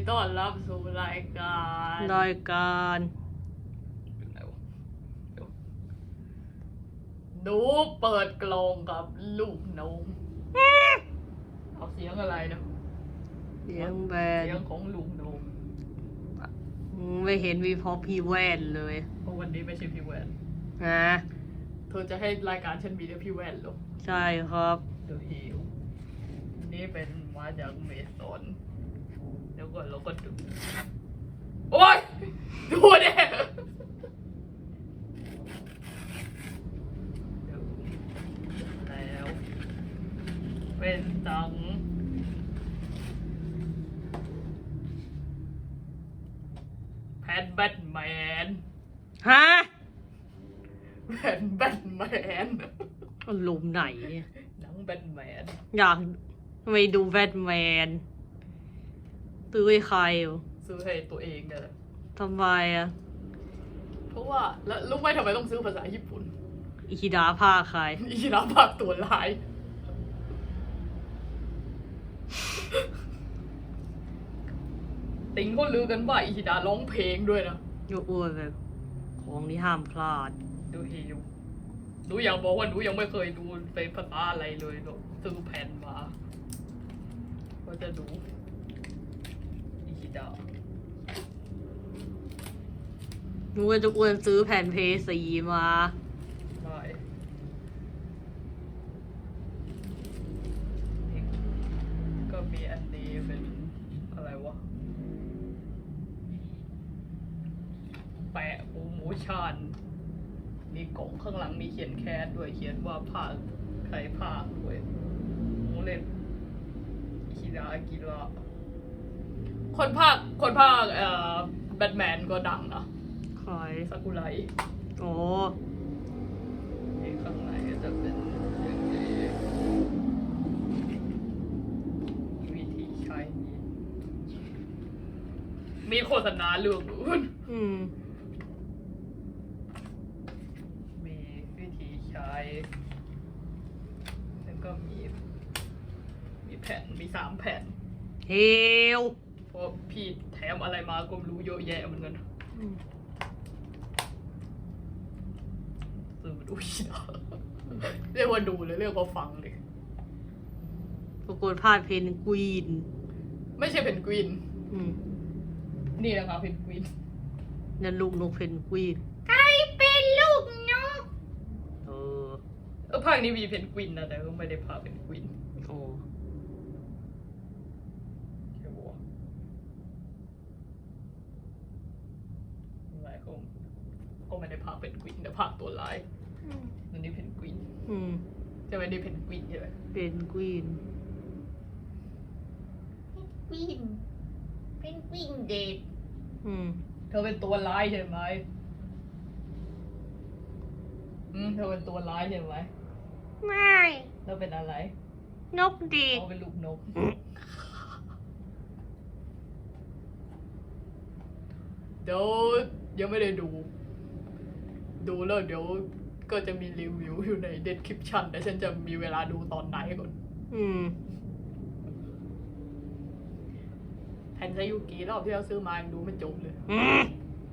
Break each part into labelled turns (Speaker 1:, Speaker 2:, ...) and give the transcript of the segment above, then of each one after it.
Speaker 1: ต้อนรับสู่รายการ หนูเปิดกลองกับลูกนมเอาเสียงอะไรนะ
Speaker 2: เสียงแบน
Speaker 1: เสียงของลูกนม
Speaker 2: ไม่เห็นมีพอพี่แว่นเลย
Speaker 1: เพราะวันนี้ไม่ใช่พี่แวน
Speaker 2: นะ
Speaker 1: เธอจะให้รายการฉันมีแต่พี่แวนหรอ
Speaker 2: ใช่ครับ
Speaker 1: เดอะฮิลนี่เป็นมาจากเมซอนแล้วก็เราก็ดูโอ๊ยดูเนี่ยแล้วเป็นตังแพนแบทแมน
Speaker 2: ฮะ
Speaker 1: แพนแบทแมน
Speaker 2: อารมณ์ไหนเนี่ย
Speaker 1: หนังแบทแมน
Speaker 2: อยากไปดูแบทแมนตื้อให้ใครวะ
Speaker 1: ซื้อให้ตัวเองเนี่ยแหละ
Speaker 2: ทำไมอ่ะ
Speaker 1: เพราะว่าแล้วรู้ไหมทำไมต้องซื้อภาษาญี่ปุ่น
Speaker 2: อิคิดาภาคใคร
Speaker 1: อีรับภาคตัวร้าย ติงก็ลือกันว่าอีฮิดาร้องเพลงด้วยนะ
Speaker 2: ยกอ้วนแบบ ของที่ห้ามพลาด
Speaker 1: ดูฮิวหนูอยากบอกว่าหนูยังไม่เคยดูเป็นภาษาอะไรเลยหนูซื้อแผ่นมาก็จะดูอีฮิดา
Speaker 2: นูก็จะอ้วนซื้อแผ่นเพย์ซีมา
Speaker 1: ได้นี่ก็มีอันนี้เป็นอะไรวะ แปะโปรโมชั่นมีกล่องข้างหลังมีเขียนแคสด้วยเขียนว่าภาคใครภาคด้วยโมเล่นคิราอากิระคนภาคแบทแมนก็ดังนะ
Speaker 2: ใคร
Speaker 1: ซากุไร
Speaker 2: โอ้
Speaker 1: นี่ข้างในก็จะเป็นอย่างนี้วิธีใช้มีโฆษณาเรื่องอื่น
Speaker 2: อืม
Speaker 1: มีวิธีใช้ แล้วก็มีแผ่น มี3 แผ่น
Speaker 2: เฮล
Speaker 1: เพราะพี่แถมอะไรมาก็ไม่รู้เยอะแยะเหมือนกันซื้อมาดูอีกนะเรียกว่าดูเลยเรียกว่าฟังเลย
Speaker 2: ปรากฏพลาดเพนกวีน
Speaker 1: ไม่ใช่เพนกวิน
Speaker 2: อืม
Speaker 1: นี่นะคะเพนกวิน
Speaker 2: นั่นลูกนกเพนกวีน
Speaker 1: ใครเป็นลูกนก
Speaker 2: เออ
Speaker 1: ภาคนี้มีเพนกวินนะแต่ก็ไม่ได้พาเพนกวิน
Speaker 2: โอ้
Speaker 1: ใช่ปะวะหลายคนก็ไม่ได้พาเพนกวินแต่พาตัวร้ายนั่นนี่เพนกวิน
Speaker 2: อืม
Speaker 1: ใช่ไหมนี่เพนกวินใช่ไหม
Speaker 2: เป็นกวีน
Speaker 1: เพนกวินเดท
Speaker 2: อืม
Speaker 1: เธอเป็นตัวร้ายใช่ไหมเธอเป็นตัวร้ายใช่ไหม
Speaker 2: ไม่
Speaker 1: แล้วเป็นอะไร
Speaker 2: นกดี
Speaker 1: เขาเป็นลูกนก เดี๋ยวยังไม่ได้ดู ดูแล้วเดี๋ยวก็จะมีรีวิวอยู่ใน description แต่ฉันจะมีเวลาดูตอนไหนก่อน
Speaker 2: อืม
Speaker 1: แทนซายุกิรอบที่เราซื้อมายังดูไม่จบเลย
Speaker 2: อืม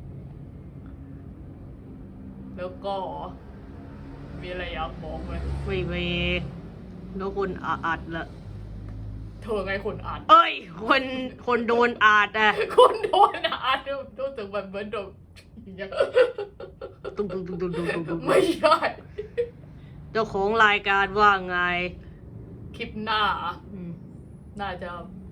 Speaker 1: แล้วก็มีอะไรอยากบอกไหม
Speaker 2: ไม่เวแล้วคนอัดละ
Speaker 1: เธอไงคนอ่าน
Speaker 2: เอ้ย คนโดนอัดอ่ะ
Speaker 1: คนโดนอ่านรู้สึกแบบเหมือนโดนอย่างเงี้ย
Speaker 2: ตุ้งตุ้งตุ้งตุ้งตุ้งตุ้ง
Speaker 1: ไม่ใช่
Speaker 2: เจ้าของรายการว่าไง
Speaker 1: คลิปหน้า
Speaker 2: อืม
Speaker 1: น่าจะ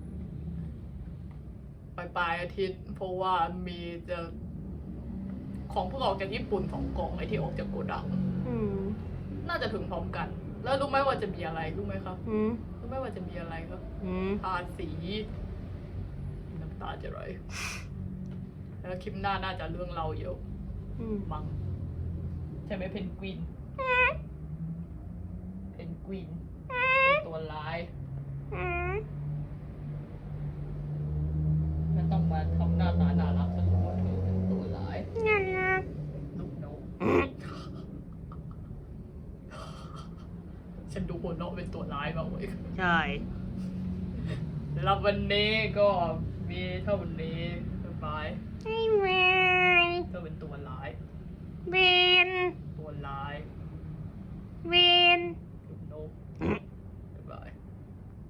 Speaker 1: ปลายอาทิตย์ เพราะว่ามีจะของเพิ่งออกจากญี่ปุ่น2 กล่องไอที่ออกจากโกดัง
Speaker 2: อืม
Speaker 1: น่าจะถึงพร้อมกัน แล้วรู้ไหมว่าจะมีอะไรรู้ไหมครับ
Speaker 2: อืม
Speaker 1: รู้ไหมว่าจะมีอะไรครับ
Speaker 2: อืม
Speaker 1: ทาสีน้ำตาจะไหลแล้วคลิปหน้าน่าจะเรื่องเราเยอะ
Speaker 2: อืม
Speaker 1: มั้งใช่ไหมเพนกวินเพนกวินเป็นตัวร้าย มันต้องมาทำหน้าตาน่ารักสนุกว่าเธอเป็นตัวร้าย
Speaker 2: น่ารัก
Speaker 1: ลูกนกฉันดูหัวเราะเป็นตัวร้ายมากเว้ย
Speaker 2: ใช่
Speaker 1: แล้ววันนี้ก็มีมีเท่านี้บ๊ายบาย
Speaker 2: ไอ้แมว